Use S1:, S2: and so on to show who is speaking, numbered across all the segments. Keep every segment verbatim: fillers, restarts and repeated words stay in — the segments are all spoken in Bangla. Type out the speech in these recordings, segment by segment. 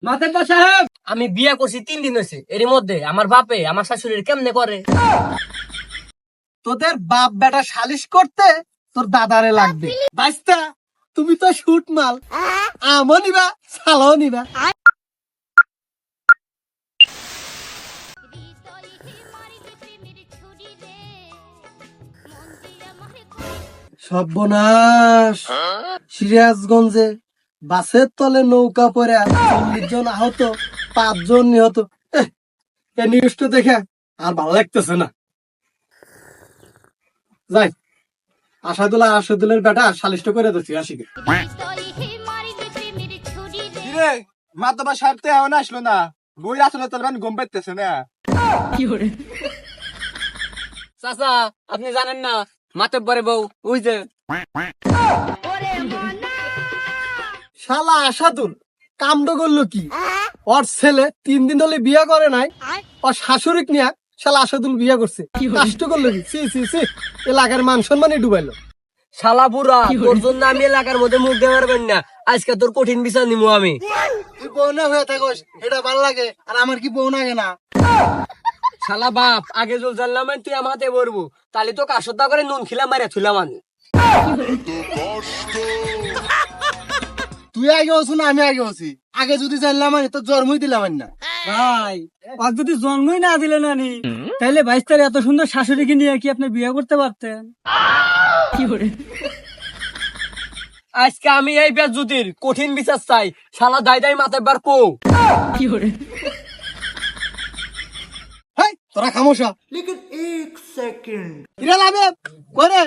S1: মাতেব্বর সাহেব,
S2: আমি বিয়ে করছি তিন দিন হয়েছে, এর মধ্যে আমার বাপে আমার শাশুড়ির কেমনে করে?
S1: তোদের বাপ বেটা সালিশ করতে তোর দাদারে লাগবে। বাইস্তা, তুমি তো শুট মাল, আমও নিবা সালাও নিবা। সর্বনাশ, সিরাজগঞ্জে বাসের তলে নৌকা পড়ে চল্লিশ জন আহত, পাঁচজন নিহত। এহ, এই নিউজটা দেখে আর ভালো লাগতেছে না। যাই, আসাদুল্লাহ আসাদুল্লাহর বেটা সালিশটা করে দিচ্ছি আশিকে।
S3: কিরে মাতবা সাহেব তো এখন আসলো না, বই আসলে তোর ঘুম পাইতেছে না।
S2: চাচা, আপনি জানেন না মাতব্বরে বউ ওই যে।
S1: শালা আসাদুল কামড করলো কি? ওর ছেলে তিন দিন ধরে বিয়ে করে নাই, ওর শাশুড়িক নিয়ে শালা আসাদুল বিয়ে করছে। কষ্ট করলো কি? সি সি সি, এলাকার মান সম্মানই ডুবাইলো।
S2: শালা বুড়া, তোর জন্য আমি এলাকার মধ্যে মুখ দেওয়ার পারবেন না। আজকে তোর কঠিন বিচার নিবো আমি।
S1: তুই বউ না হয়ে থাকস, এটা ভালো লাগে, আর আমার কি বউ লাগে না?
S2: শালা বাপ, আগে জল জানলাম তুই আমার হাতে বলবো, তাহলে তো কাশতা করে নুন খিলাম মারে থুলাম আমি।
S1: তুই আগে হচ্ছ না আমি আগে হচ্ছি? আগে যদি জানলাম আমি তো জন্মই দিলাম না।
S4: ভাই, আর যদি জন্মই না দিলে নানি, তাহলে বাইশ তারিখ এত সুন্দর শাশুড়িকে নিয়ে কি আপনি বিয়ে করতে পারতেন?
S2: আজকে আমি এই বেজ্জুতির কঠিন বিচার চাই। শালা দাই দাই মাতব্বর কো।
S1: হেই, তোরা খামোশা। কিরে লাবে করে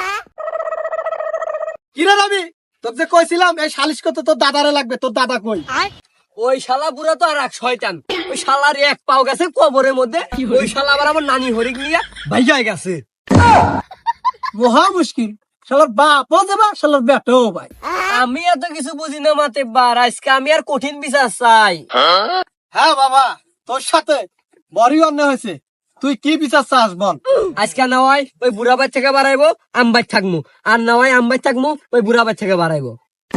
S1: কিরে লাবি? তোর যে কইছিলাম এই সালিশ করতে তোর দাদারে লাগবে, তোর দাদা কই?
S2: ওই শালা বুড়া তো আর এক শয়তান। ওই শালার এক পাও গেছে কবরের মধ্যে। ওই শালা আবার আমার নানি হরিক নিয়ে ভাইয়া গেছে।
S1: মহা মুশকিল, শালার বাপও যাবা, শালার বেটাও ভাই।
S2: আমি এত কিছু বুঝি না মাতব্বর, আজকে আমি আর কঠিন বিচার চাই।
S1: হ্যাঁ বাবা, তোর সাথে বড়ই অন্যায় হয়েছে। তুই কি বিচার চাস বল?
S2: আজকে না হয় ওই বুড়া বাচ্চা থেকে বাড়াইবো, আমবাই থাকবো। আর না হয় আমবাই থাকবো, ওই বুড়া বাচ্চা থেকে বাড়াইবো।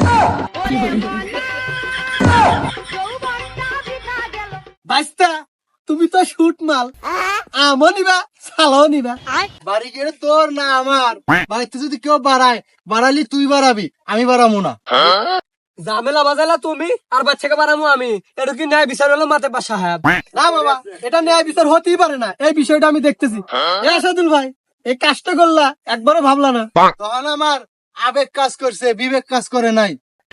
S1: বাইস্তা, তুমি তো শুট মাল, আমও নিবা সালাও নিবা। বাড়ি গেলে তোর না আমার, বাড়িতে যদি কেউ বাড়ায়, বাড়ালি তুই বাড়াবি, আমি বাড়াবো না।
S2: ঝামেলা বাজালা তুমি, আর বাচ্চাকে বাড়াবো আমি। এটা কি ন্যায় বিচার হলো মাতব্বর সাহেব?
S1: না বাবা, এটা ন্যায় বিচার হতেই পারে না। এই বিষয়টা আমি দেখতেছি। এ আসাদুল ভাই, এই কাজটা করলা, একবারও ভাবলা না? তখন আমার আবেগ কাজ করছে, বিবেক কাজ করে নাই।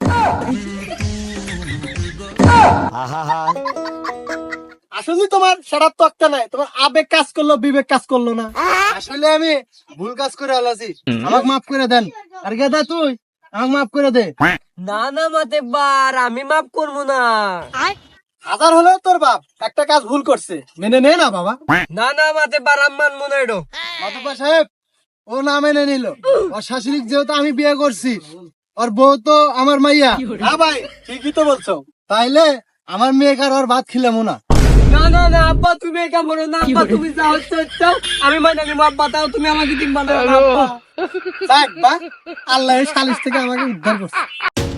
S1: আসলে তোমার সেটার তক্তা নাই, তোমার আবেগ কাজ করলো, বিবেক কাজ করলো না। আসলে আমি ভুল কাজ করে আলাসি, আমাকে মাফ করে দেন। আর গেদা তুই আমাকে মাফ করে দে।
S2: না না মাতব্বর, আমি মাফ করবো না।
S1: হাজার হলেও তোর বাপ একটা কাজ ভুল করছে, মেনে নে না বাবা।
S2: না না মাতব্বর, আমি মানবো না এটা।
S1: মাতব্বর সাহেব, ও না মেনে নিল। ওর শাশুড়ি যেহেতু আমি বিয়ে করছি, ওর বউ তো আমার মাইয়া। হ্যাঁ ভাই, ঠিকই তো বলছো। তাইলে আমার মেয়েকে আর ওর ভাত খিলামো না।
S2: না না না আব্বা, তুমি এটা বলো না আব্বা, তুমি যা হচ্ছে হচ্ছে, আমি মানে নিবো আব্বা, তাও তুমি আমাকে দিন বানাও না আব্বা।
S1: যাক বা, আল্লাহ সালিশ থেকে আমাকে উদ্ধার করছে।